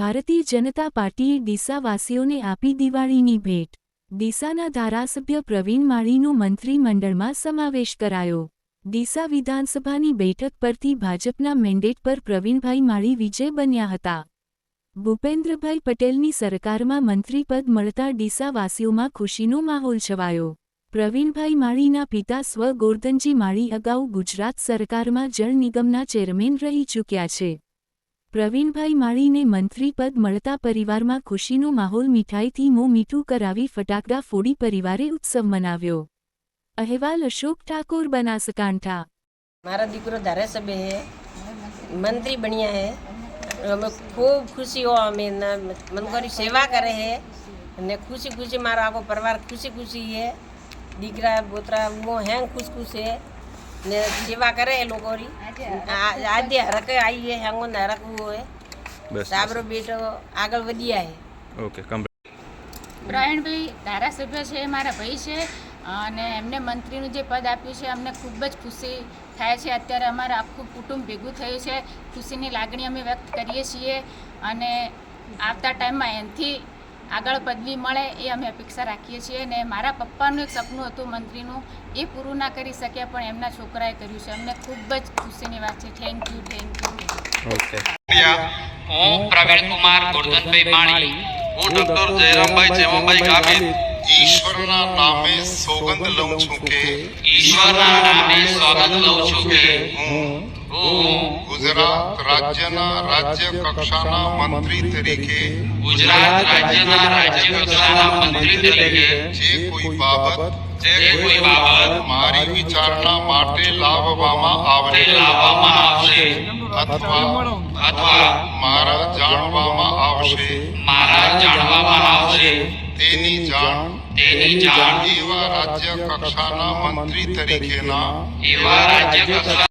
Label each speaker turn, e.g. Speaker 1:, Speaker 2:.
Speaker 1: ભારતીય જનતા પાર્ટીએ ડીસાવાસીઓને આપી દિવાળીની ભેટ। ડીસાના ધારાસભ્ય પ્રવીણ માળીનો મંત્રીમંડળમાં સમાવેશ કરાયો। ડીસા વિધાનસભાની બેઠક પરથી ભાજપના મેન્ડેટ પર પ્રવીણભાઈ માળી વિજય બન્યા હતા। ભૂપેન્દ્રભાઈ પટેલની સરકારમાં મંત્રીપદ મળતા ડીસાવાસીઓમાં ખુશીનો માહોલ છવાયો। પ્રવીણભાઈ માળીના પિતા સ્વ ગોરધનજી માળી અગાઉ ગુજરાત સરકારમાં જળ નિગમના ચેરમેન રહી ચૂક્યા છે। પ્રવીણભાઈ માળીને મંત્રીપદ મળતા પરિવારમાં ખુશીનો માહોલ મીઠાઈથી મોં મીઠું કરાવી ફટાકડા ફોડી પરિવારે ઉત્સવ મનાવ્યો। અહેવાલ અશોક ઠાકોર, બનાસકાંઠા।
Speaker 2: મારા દીકરો ધારાસભ્ય है, मंत्री बढ़िया है, हमें खूब खुशी हो, हमें मनकोरी सेवा करे है ने खुशी खुशी मारा आखो परिवार खुशी खुशी है। दीकरा बोतरा वो हैं खुश खुश है ने सेवा करे है लोगोरी आद्य हरक आई है हंगो नरक वो है साबरो बेटो આગળ વધ્યા है।
Speaker 3: ओके
Speaker 4: પ્રવીણભાઈ ધારાસભ્ય છે, મારા ભાઈ છે અને એમને મંત્રીનું જે પદ આપ્યું છે અમને ખૂબ જ ખુશી થાય છે। અત્યારે અમારા આખું કુટુંબ ભેગું થયું છે, ખુશીની લાગણી અમે વ્યક્ત કરીએ છીએ અને આવતા ટાઈમમાં એનાથી આગળ પદવી મળે એ અમે અપેક્ષા રાખીએ છીએ। અને મારા પપ્પાનું એક સપનું હતું મંત્રીનું, એ પૂરું ના કરી શક્યા પણ એમના છોકરાએ કર્યું છે। અમને ખૂબ જ ખુશીની વાત છે। Thank you, thank you.
Speaker 3: Okay
Speaker 5: હું પ્રવીણ કુમાર ગોરધનભાઈ માળી, હું ડોક્ટર જયરામભાઈ જેમાભાઈ ગામિત
Speaker 6: ઈશ્વરના નામે સોગંદ લઉં છું કે
Speaker 5: ઈશ્વરના નામે સોગંદ લઉં છું કે હું
Speaker 6: ગુજરાત રાજ્યના રાજ્ય કક્ષાના મંત્રી તરીકે
Speaker 5: ગુજરાત રાજ્યના રાજ્ય કક્ષાના મંત્રી તરીકે
Speaker 6: જે કોઈ બાબત
Speaker 5: જે કોઈ બાબત
Speaker 6: મારી વિચારણા માટે લાવવામાં આવશે
Speaker 5: અથવા
Speaker 6: મારા જાણવામાં આવશે તેની જાણ
Speaker 5: તેની જાણ
Speaker 6: એવા રાજ્ય કક્ષાના મંત્રી તરીકેના
Speaker 5: એવા રાજ્ય કક્ષા